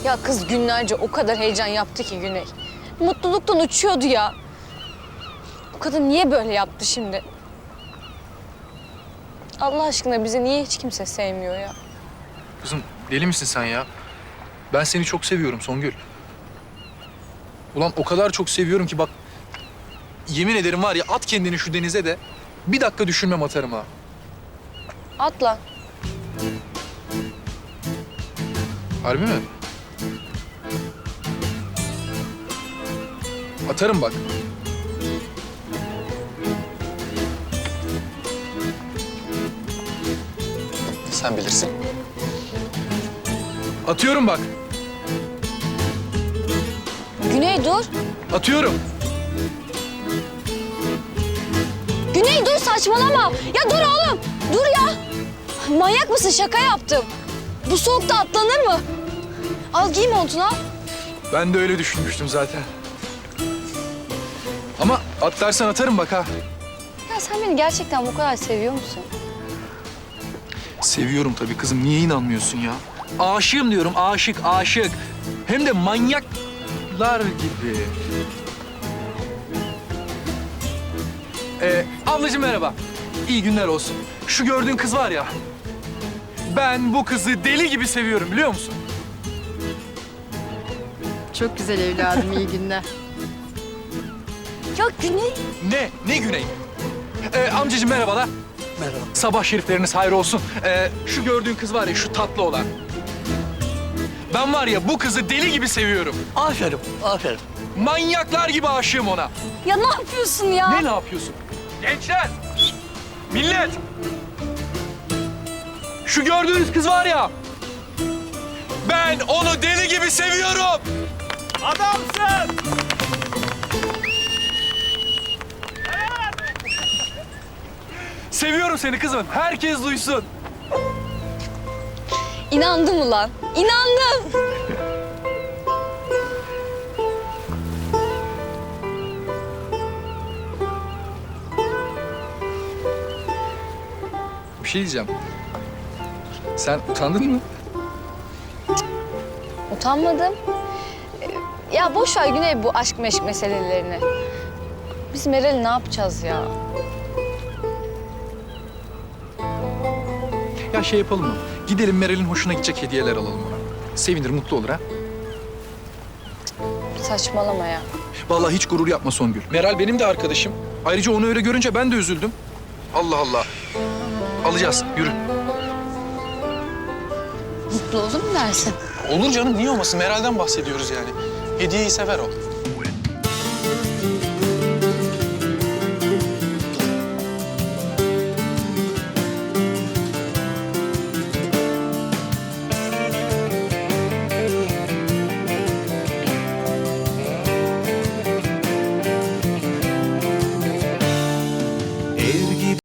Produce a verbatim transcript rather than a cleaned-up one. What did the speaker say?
Ya kız günlerce o kadar heyecan yaptı ki Güney. Mutluluktan uçuyordu ya. Bu kadın niye böyle yaptı şimdi? Allah aşkına bizi niye hiç kimse sevmiyor ya? Kızım deli misin sen ya? Ben seni çok seviyorum Songül. Ulan o kadar çok seviyorum ki bak... Yemin ederim var ya, at kendini şu denize de bir dakika düşünmem atarım ha. Atla. Harbi mi? Atarım bak. Sen bilirsin. Atıyorum bak. Güney dur. Atıyorum. Güney dur, saçmalama. Ya dur oğlum. Dur ya. Manyak mısın? Şaka yaptım. Bu soğukta atlanır mı? Al giy montunu al. Ben de öyle düşünmüştüm zaten. Ama atlarsan atarım bak ha. Ya sen beni gerçekten bu kadar seviyor musun? Seviyorum tabii kızım. Niye inanmıyorsun ya? Aşığım diyorum. Aşık, aşık. Hem de manyaklar gibi. Ee, ablacığım merhaba. İyi günler olsun. Şu gördüğün kız var ya... Ben bu kızı deli gibi seviyorum, biliyor musun? Çok güzel evladım, iyi günler. Ya Güney. Ne? Ne Güney? Ee, amcacığım merhabalar. Merhaba. Sabah şerifleriniz hayır olsun. Ee, şu gördüğün kız var ya, şu tatlı olan. Ben var ya, bu kızı deli gibi seviyorum. Aferin, aferin. Manyaklar gibi aşığım ona. Ya ne yapıyorsun ya? Ne ne yapıyorsun? Gençler! Millet! Şu gördüğünüz kız var ya... Ben onu deli gibi seviyorum. Adamsın! Seviyorum seni kızım. Herkes duysun. İnandım ulan. İnandım. Bir şey diyeceğim. Sen utandın mı? Utanmadım. Ee, Ya boş ver Güney bu aşk meşk meselelerini. Biz Meral'i ne yapacağız ya? Ya şey yapalım mı? Gidelim Meral'in hoşuna gidecek hediyeler alalım ona. Sevinir, mutlu olur ha. Saçmalama ya. Vallahi hiç gurur yapma Songül. Meral benim de arkadaşım. Ayrıca onu öyle görünce ben de üzüldüm. Allah Allah. Alacağız, yürü. Mutlu olur mu dersin? Olur canım, niye olmasın? Meral'den bahsediyoruz yani. Hediyeyi sever o.